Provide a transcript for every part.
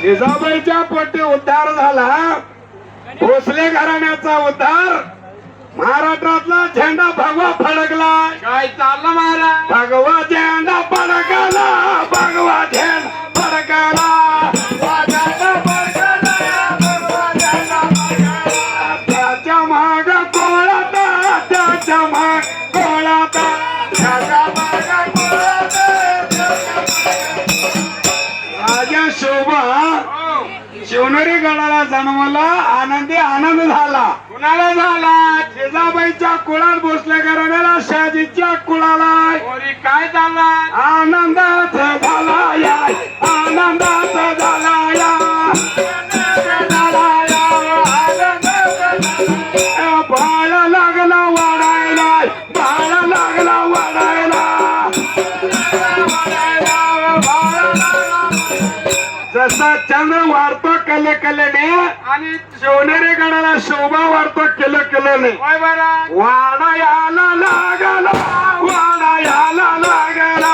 जिजाबाईच्या पोटी उद्धार झाला, भोसले घराण्याचा उद्धार, महाराष्ट्रातला झेंडा भगवा फडकला. काय चाललं महाराज? भगवा झेंडा फडकला, भगवा झेंडा फडकला, भगवा झेंडा फडकला, भगवा झेंडा फडकला. त्याच्या माग कोळाता, त्याच्या माग कोळाता, त्याच्या माग कोळाता. राजा शोभा शिवनेरी गडाला जन्माला, आनंदी आनंद झाला. कुणाला झाला? जिजाबाईच्या कुळात भोसले घराण्याला, शहाजीच्या कुळाला काय झाला? आनंदात झाला या, आनंदात झाला या, बाळ लागला वाढायला, बाळ लागला वाढायला. जसा चंद्र वाढतो कले कलेने आणि शिवनेरी गडाला शोभा वाढतो केलं केल्याने. होय महाराज. वाडायाला लागला, वाडायाला लागला,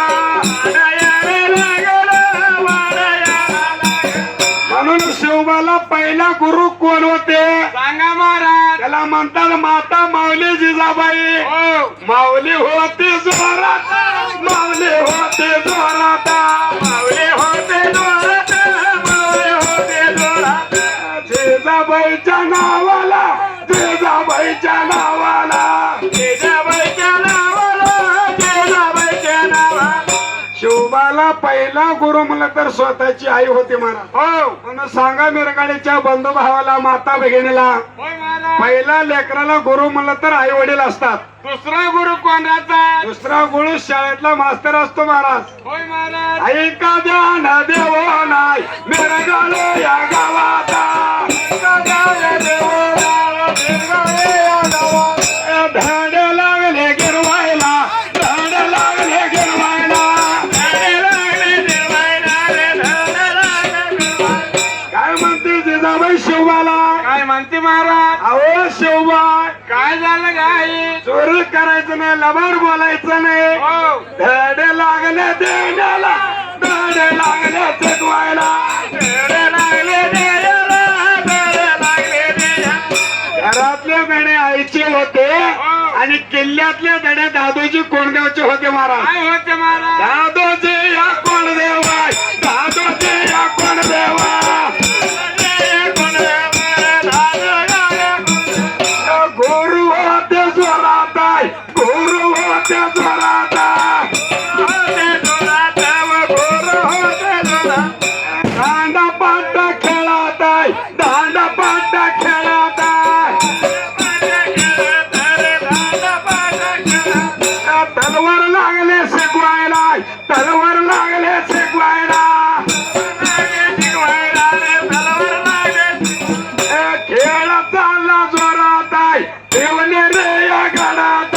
म्हणून शिवबाला पहिला गुरु कोण होते? सांगा महाराज. त्याला म्हणतात माता माऊली जिजाबाई. हो. माऊली होती जोरात, माऊली होती जोरात, माऊली होती जोरात, माऊली होती जोरात. जिजाबाईच्या नावाला, जिजाबाईच्या नावाला, जिजाबाईच्या नावाला, जिजाबाईच्या नावाला. शिवबाला पहिला गुरु म्हणलं तर स्वतःची आई होती महाराज. हो. म्हणून सांगा मिरगाडीच्या बंधू भावाला, माता भगिनीला, होय महाराज. पहिला लेकराला गुरु म्हणलं तर आई वडील असतात. दुसरा गुरु कोणाचा? दुसरा गुरु शाळेतला मास्तर असतो महाराज. होय महाराज. ऐका ध्यान देवो नाही मिरगाळे या गावाचा, ऐका ध्यान देवो नाही मिरगाळे या गावाचा. धाड लागले गिरवायला, धाड लागले गिरवायला, धाड लागले गिरवायला रे, धाड लागले गिरवायला. काय म्हणते जिजाबाई शिवबाला? काय म्हणते महाराज? अहो शिवबा, काय झालं काय? चोरी करायचं नाही, लबाड बोलायचं नाही. हो. धडे लागले देण्याला, धडे लागले शिकवायला, धडे लागले देण्याला, धडे लागले देण्याला. घरातले धडे आईचे होते आणि किल्ल्यातले धडे दादोजी कोंडदेवचे होते महाराज. काय होते महाराज? दादोजी या कोंडदेवा, दादोजी या कोंडदेवा, गुरु होते जोरात, गुरु होते जोरात, होते जोरात, गुरु होते जोरात. दांडा पाटा खेळात, दांडा पाटा खेळात, तलवार लागले शिकवायला, तलवार लागले शिकवायला, खेळ चालला जोरात, ठेवले रे या गडात.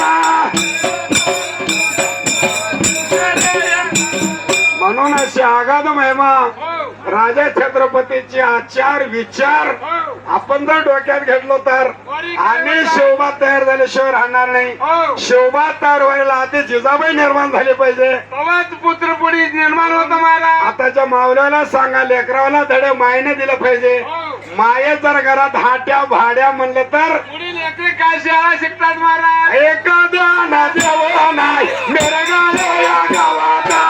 म्हणून अशी आगाध महिमा राजा छत्रपतीचे आचार विचार आपण जर डोक्यात घेतलो तर आणि शोभा तयार झाल्याशिवाय राहणार नाही. शोभा तयार व्हायला आधी जिजाबाई निर्माण झाली पाहिजे, तेव्हाच पुत्र पुढे निर्माण होत महाराज. आताच्या मावल्याला सांगा, लेकराला धडे मायने दिलं पाहिजे. माये जर घरात हाट्या भाड्या म्हणलं तर पुढील लेकरे काय शाळा शिकतात महाराज? एखाद्या नद्यावर नाही मिरगाळे या गावाचा.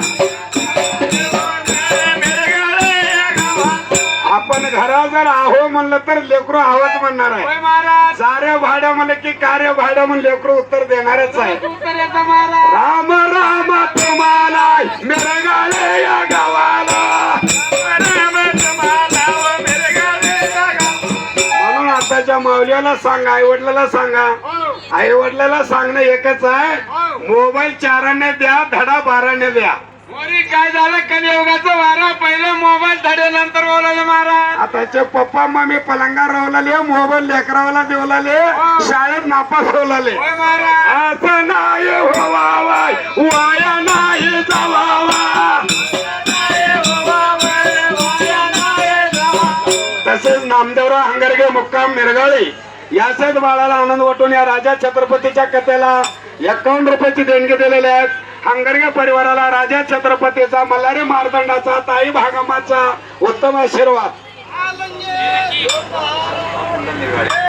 आपण घरा जर आहो म्हणलं तर लेकरू आहोत म्हणणार आहे. होय महाराज. साऱ्या भाड्या म्हणलं की कार्य भाड्या म्हणून लेकरू उत्तर देणारच आहे. उत्तर येतं महाराज. राम राम तुम्हाला मिरगाळे या गावाला, राम तुम्हाला व मिरगाळे या गावाला. म्हणून आताच्या माऊल्याला सांगा, आई वडिलाला सांगा, आई वडिलाला सांगणं एकच आहे, मोबाईल 4 द्या, धडा 12 द्या. वरी काय झालं? कलियुगाचं वारा पहिलं मोबाईल धडे नंतर बोलायला महाराज. आताचे पप्पा मम्मी पलंगा रवलाले, मोबाईल लेकरावाला देवलाले, शाळेत नापास होलाले. होय महाराज. असं नाही व्हावा, वाया नाही जावावा. तसेच नामदेवराव हंगरगे मुक्काम मिरगाळी याचाच बाळाला आनंद वाटून या राजा छत्रपतीच्या कथेला 51 रुपयाची देणगी दिलेली आहेत. हंगरगे परिवाराला राजा छत्रपतीचा मल्हारी मारदंडाचा ताई भागमाचा उत्तम आशीर्वाद